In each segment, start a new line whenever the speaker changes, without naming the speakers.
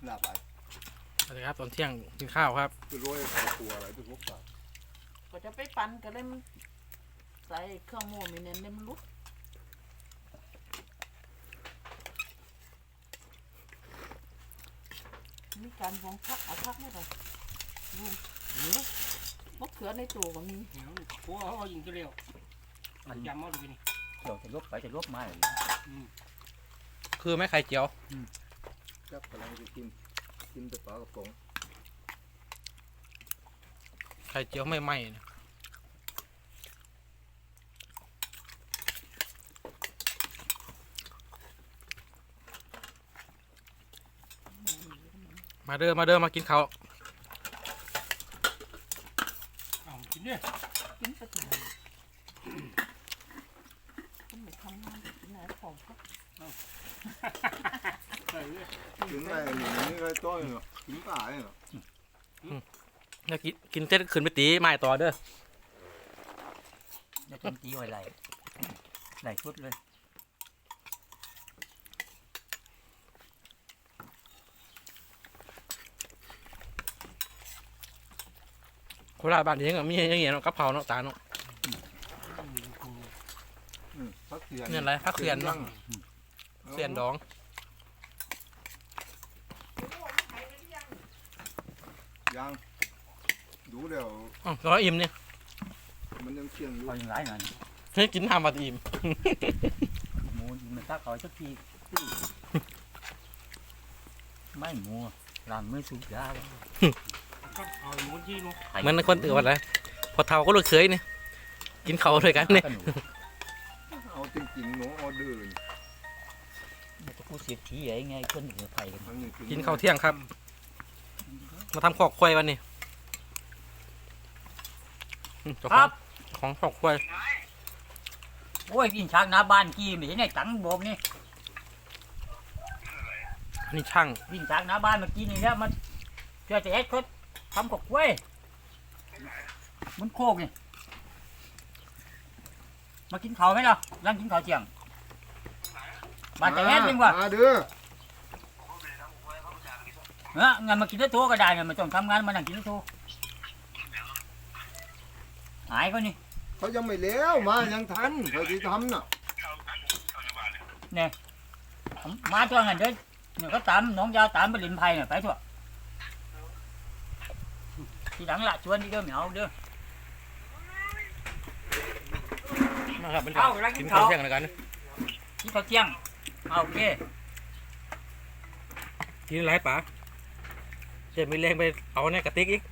หลับไป
สวัสดีครับตอนเที่ยงกินข้าวครับ
จะรวยใส่ตัวอะไรทุกข์สัตว์
ก็จะไปปั่นก็เลยมันใส่เครื่องโม่มีเน้นเล่มนลุดมีการวางพักเอาพักไม่ได้ดูมะเขือในตู้ก็มี
โอ้เขายิงก็เร็วมันยำเอาดูนี่
เดี๋ยวจะลบไปจะลบมาเลย
คือแม่ไข่เจียว
จับกำลังจะกินแต่ปลากระป๋อง
ไข่เจียวไม่ไหม้นะมาเด้อมากินข้าว
เอากินเนี่ย
กินไปถึงคุณไม่ทำงานกินไหนของพัก
ใส่เลย
กินอะไรนี่ก็ต้อยเนาะกินตายเนาะ
แล้วกินเสร็จขึ้นไปตีไม้ต่อเด้อ
จะจำตีไว้ไหลชุดเลย
โคราชบ้านนี้ก็มีอย่างเงี้ยเนาะกะเพราเนาะตาเนาะ
พักเสียน
เนี่ยอะไรผักเสียนเนาะเสียนดอง
ยังดูเดี๋ยว
อ๋อร้อยอิ่มเนี่ย
มันยังเชียงอยู่
เขายังไรหน่อย
ให้กินทำมาอิ่ม
หมูมันตักเอาสักทีไม่หมูล้างมือสูบยาเลย
ก็เอาหมูที่นู้น
เหมือนคนอื่นว่าอะไรพอเท่าก็ลูกเคยเนี่ยกินเขาวด้วยกันเนี่ย
เอาจริงๆหนูเอาเดิน
มันจะพูดเสียทีไงคนเหนือไทยกัน
กินข้าวเที่ยงครับ มาทำขอกควายวันนี้เจ้าของของขอกควาย
โอ้ยกินช้างหน้าบ้านกี้ไม่ใช่ไงตังโบมนี่
อันนี่ช่าง
วิ่งช้างหน้าบ้านมากินนี่แล้วมันเชื่อจะเอ็ดเขาทำกับกล้วยมันโคกนี่มากินข้าวไหมล่ะยังกินข้าวเที่ยงบ้านแต่เอ็ดจริงวะ
มาเด้อ
งั้นมากินได้ทั่วก็ได้เนี่ยมันต้องทำงานมานั่งกินได้ทั่วหายก็นี่
เขายังไม่แล้วมายังทันเขาจะทำน่ะ
มาตัวงั้นเด้อเนี่ยก็ตามน้องยาวตามไปลินไผ่เนี่ยไปทั่วทีหลังละชวนที่เด้อเหมียวเด้อ
มาครับ
เอาแล้วกิ
กิน
น
ข้า
ข้าว ว
เที่ยงแล้วกัน
กินข้าวเที่ยงเอาโอเค
กินไรป๋าจะมีแรงไปเอาในกระติกอีก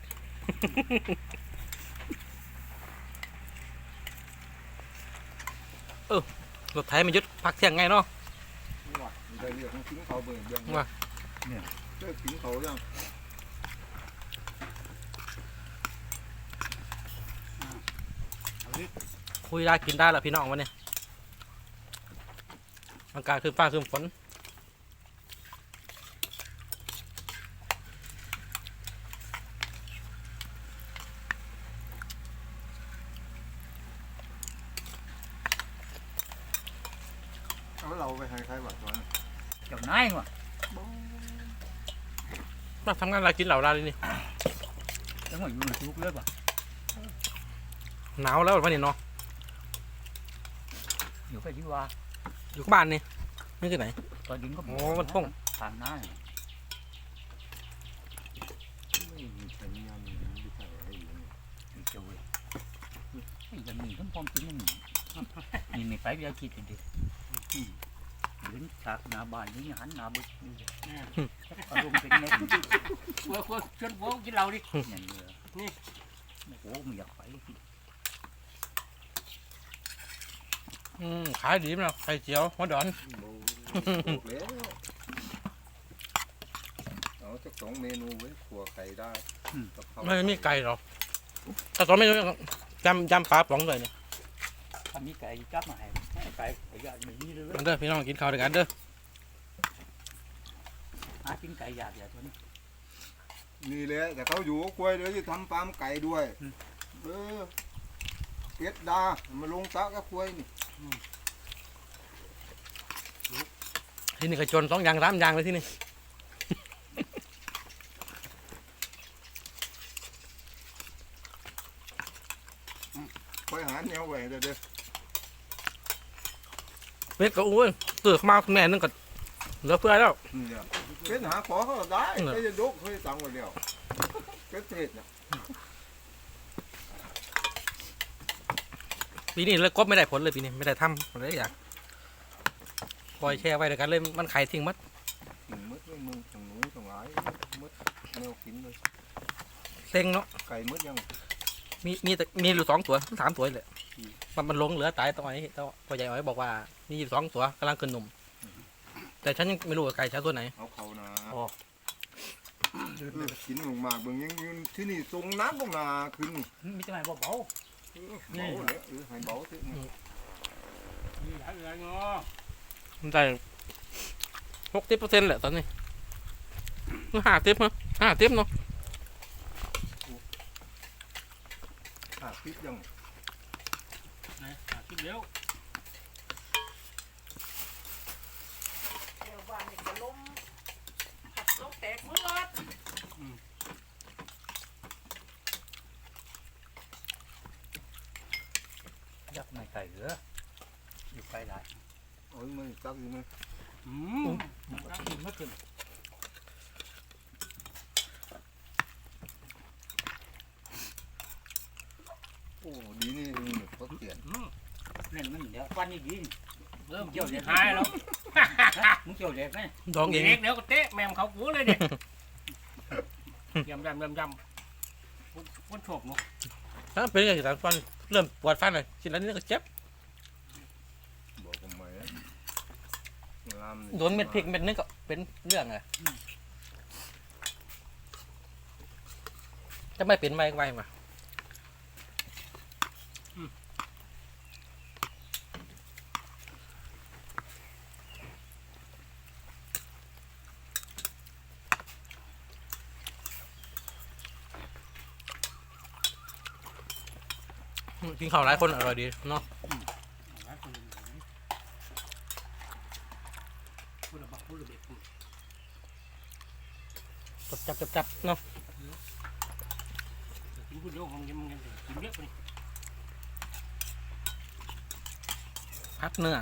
รถไถมันยึดพักเที่ยงไงเนาะ
ว่ามีได้เรื่องของกินเขาเบิ่งเบิ่ง
ว่า
เนี่ยเจ้ากินเขายัง
คุยได้กินได้แล้วพี่น้องวันนี้อากาศคือฟ้าคือฝน
เอาเราไปให้ใครบ้างตอนนั้น
เจ้านายว่ะ
มาทำงานอะไรกินเหล่าไรนี่
จังหวะอยู่ในทุกเรื่องว่ะ
หนาวแล้ววันนี้เนาะ
อยู่ไปที่ว่า
อยู่บ้านนี่นี่คือไหน
ตอนดินก็
โอ้มันท่อง
ทางหน้า
ไม่มีใครมีงานมีใครให้อยู่นี่
มีเจ้าเว้ยไอ้ยังมีทั้งพร้อมกินนี่นี่ไม่ไปเวลาคิดดิเดินฉากหน้าบ้านนี่หันหน้าบึกอารมณ์เป็นไง
วัวชวนวัวกินเราดิ
อย่างนี้
นี่
โอ้ไม่อยากไป
ขายดีมั้ยไข่เจียวหัวดอน
โอ้โหแล้วเอาสักสองเมนูไว้ขัวไข่ได้กับข้าว
ไม่มีไก่หรอกแต่ตอนไม่รู้ยำปลาป๋องเลยเนี่ย
ถ้ามีไก่จับมาให้ไก่ไก่ยาไม่มีเลย
มันเด้อพี่น้องกินข้าวด้วยกันเด้อ
หากินไก่ยาเดี๋ยวตัวนี้
นี่แหละแต่เขาอยู่กล้วยเดี๋ยวจะทำฟาร์มไก่ด้วยเป็ดดามาลงตะกับกล้วยนี่
ที่นี่ก็จน2 อย่าง 3 อย่างเลยที่นี่
เด้อ
เป็ดก็อุ้ยตื่นมาแม่นึงก็เหลือเพื่อแล้ว
เนี่ยเป็นหาขอเขาได้ไม่จะยกเคยสั่งไว้แล้วเป็ดเทศน่ะ
ปีนี้เลยกบไม่ได้ผลเลยปีนี้ไม่ได้ทำอะไรอย่างปล่อยแช่ไว้เดียวกันเลยมันขายทิ้งมัด
กินมืดมึงทั้งหนูทั้งหลายมืดแนวกินเลย
เซ็งเนาะ
ไก่มืดยัง
มีแต่มีอยู่2 ตัว 3 ตัวเลยมันลงเหลือตายตัวนี้ตัวพ่อใหญ่อ้อยบอกว่ามีอยู่2 ตัวกำลังขึ้นนมแต่ฉันยังไม่รู้ว่าไก่ฉันตัวไหน
เอาเขานะ
อ๋อ
กินมากๆเบิ่งยังที่นี่ทรงน้ำตรงนาขึ้น
มีแต่ไหนเบา
เบาเลยให้เบาเถอะ
มีหลายอย่างเนาะ
มันได้60%แหละตอนนี้50มั้ง50เนาะ
พิษยัง
นะคิดเร็ว
เดี๋ยวบ้านนี่ก็ล้มแตกมือด
ๆยักษ์ไม่ไก่เหลืออยู่ไกลหลาย
โอ้ยมันจักอยู่ไหม
กินไม่ขึ้น
โอ้ดีนี่เขาเปลี่ยน
เล่นมันเดี๋ยวฟันนี่ดี
เริ่มเกี่ยวหายแล้ว
มึงเกี่ยวเด็กไหม
ดองเอง
เด็กเดี๋ยวก็เตะแมมเขากูเลยเนี่ยยำคนโฉบเนาะ
ถ้าเป็นอย่างนั้นฟันเริ่มปวดฟันเลยชิ้นนั้นนี่ก็เจ็บ
บอกผมไหม
โดนเม็ดพริกเม็ดนึงก็เป็นเรื่องเลยจะไม่เป็นไวมากินข้าวหลายคนอร่อยดีเนาะ
คนละบักคนละเบ็ด
จับเนาะ
กินคนเดียวของยังกินเยอะไป
พักเนื้อ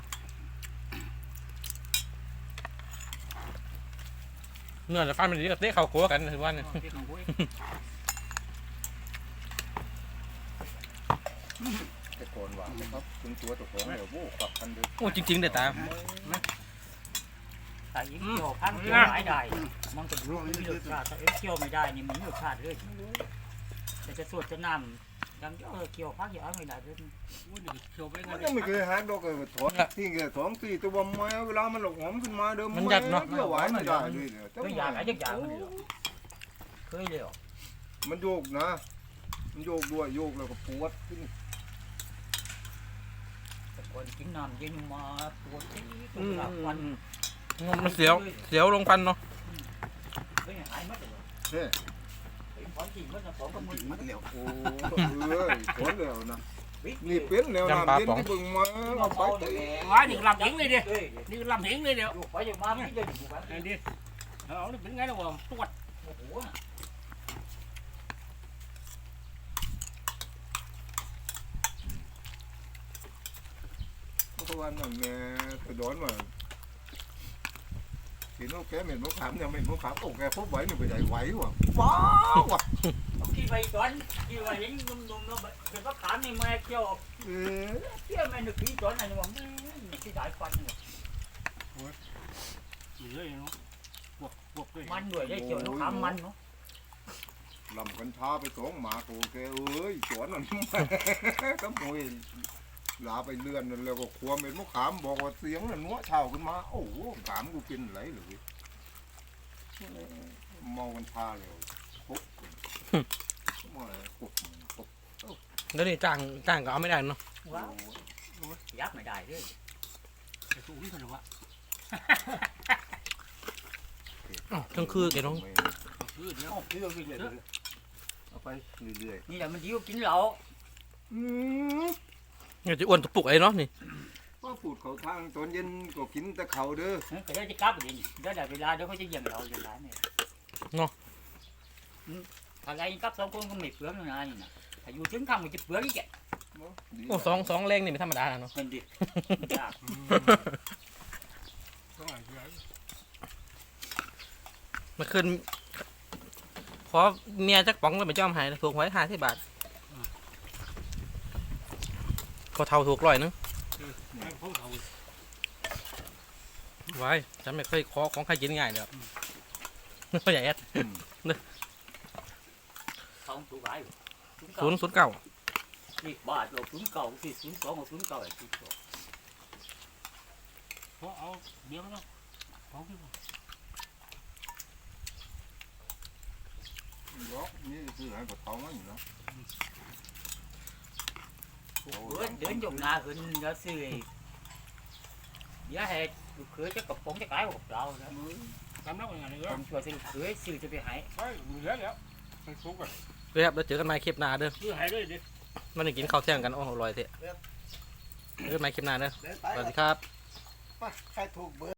แต่ฟันมันดีกับเตะเข่าโก้กันถือว่าเนี่ย
เด็กของกูเอง
แต่ก่อนว่านะครับคุณตัวตัวของเดี๋ยวโว้กลับกันเลย
โอ้จริงๆเด็ดตา
แต่อีกเกี่ยวพันเกี่ยวหลายได้มันก็รู้มีรสชาติถ้าเกี่ยวไม่ได้นี่มันมีรสชาติเลยแต่จะสวดจะน้ำยังเกี่ยวพักอย่างไม่ได้เลย
กูเดี๋ยวเขียวไป
มั
งั้
น
น
ยังไม่เคยหาดอกเลยถอนที่แก2-4ตัวไม้เวลามันหลอกหอมขึ้นมาเดิมเกี่ยวไหวไม่ได้เลย
เคยอยากอะไรจักอย่างมันเลยเคยเลย
มันโยกนะมันโยกด้วยโยกแล้วก็ปวดขึ้น
แต่ก่อนกินน้ำเย็นมาปวดที่ตัวหลับวัน
มันเสียวลงฟันเนาะ
เฮ้ยหายมัดเลย
เฮ้
ของจริงมันของกับมือมัดเลย
โอ้ถอนแล้วนะนี่เป็นแล้วนะเป็นที่เบิ่งมาไปเตะ
ว้านี่ลำเหงเลยเดียวนี่ลำเหงเลยเดียว
อยู่ไปอยู่มาไม่ได้อยู่แบบ
ไอ้ดิเอานี่เป็นไงล่ะวะตรวจ
โอ้โห
เพราะว่านั่นแม่ไปดอนว่าทีนู้นแกเหม็นมะขามยังเหม็นมะขามโอ้แกพบไว้เนี่ยไปใหญ่ไหวว่ะว้าวว่ะ
ที่ไปตอนที่ว่าเห็นนุ่มๆเนาะเดี๋ยวก็ถามนี่มาเกี่ยวเกี่ยวแม่นึกพี่ตอนไหนว่าที่สายฟัน
เยอะเนาะบวกด้วย
มันด้วยได้เกี่ยวน้ำขามมันเนาะ
ลำกันช้าไป2 หมาโอเคเอ้ยสวนนั่นก็มวยลาไปเลื่อนนั่นแล้วก็ควมเป็นมะขามบอกว่าเสียงนั่นนัวเช่าขึ้นมาโอ้โหขามกูกินไหลเลยเมากันช้าแล้วปุ๊บมาปุ๊บ
แล้วนี่จ้างก็เอาไม่ได้เนาะ
ว้าวยับไม่ได้ด้วย
จะสู้นี่กันหรอวะ
ทั้งคือแกน้อง
คือเดี๋ยว
เอาไปเรื่อย
นี่แหละมันยิ้วกินเหล้า
เนี่ยจะอ้วนตุกปุกไอ้เนาะนี่
ๆว่าพูดเขาทางตอนเย็นก็กินแต่เขาเด้อ
ก็ได้จะกลับดิเดี๋ยวได้เวลาเดี๋ยวเขาจะเยี่ยมเราอย่างไรเนี่ยอะไรกับ2 คนก็ไม่เปลืองนะนี่นะถ้าอยู่ถึงค่ำก็จะเปลืองอีกแก
ดี
โอ้สองแรงนี่ไม่ธรรมดาเนาะ
มันดิยาก
ต้องหาเชื้อ
มันขึ้นขอเมียจักป๋องแล้วไม่ยอมใหายถูกไว้50 บาทก็เท่าถูก100นึง
ให้เขาเขา
ไว้ฉันไม่เคยขอของใครกินง่ายเลยครับพ่อใหญ่แอด
เขาตัวไหว
009
นี่บาทเรา09สิ02กับ09ไอ้ที่ตัว
เขาเอาเบี้ยมันเนาะของที่
ยกนี่คือให้ปลาทองมันอยู่เนาะ
เดินยกหน้าขึ้นแล้วซื้ออย่าให้ลูกเขยจะกระป๋องจะกลายกับเรานะ
ทำแล้วเป็นไงเนี่ย
ผมช่วยซื้อลูกเขยซื้อจะไปให้
ไปเหลือแล้วไปซุกกัน
เรียบแล้วเจอกันใหม่คลิปหน้าเด้อ
คือหายเลยดิ
มันจะกินข้าวเที่ยงกันโอ้โหอร่อยเถอะเจอกันใหม่คลิปหน้าเด้อ
เดินไป
สวัสดีครับ
ใครถูกเบอร์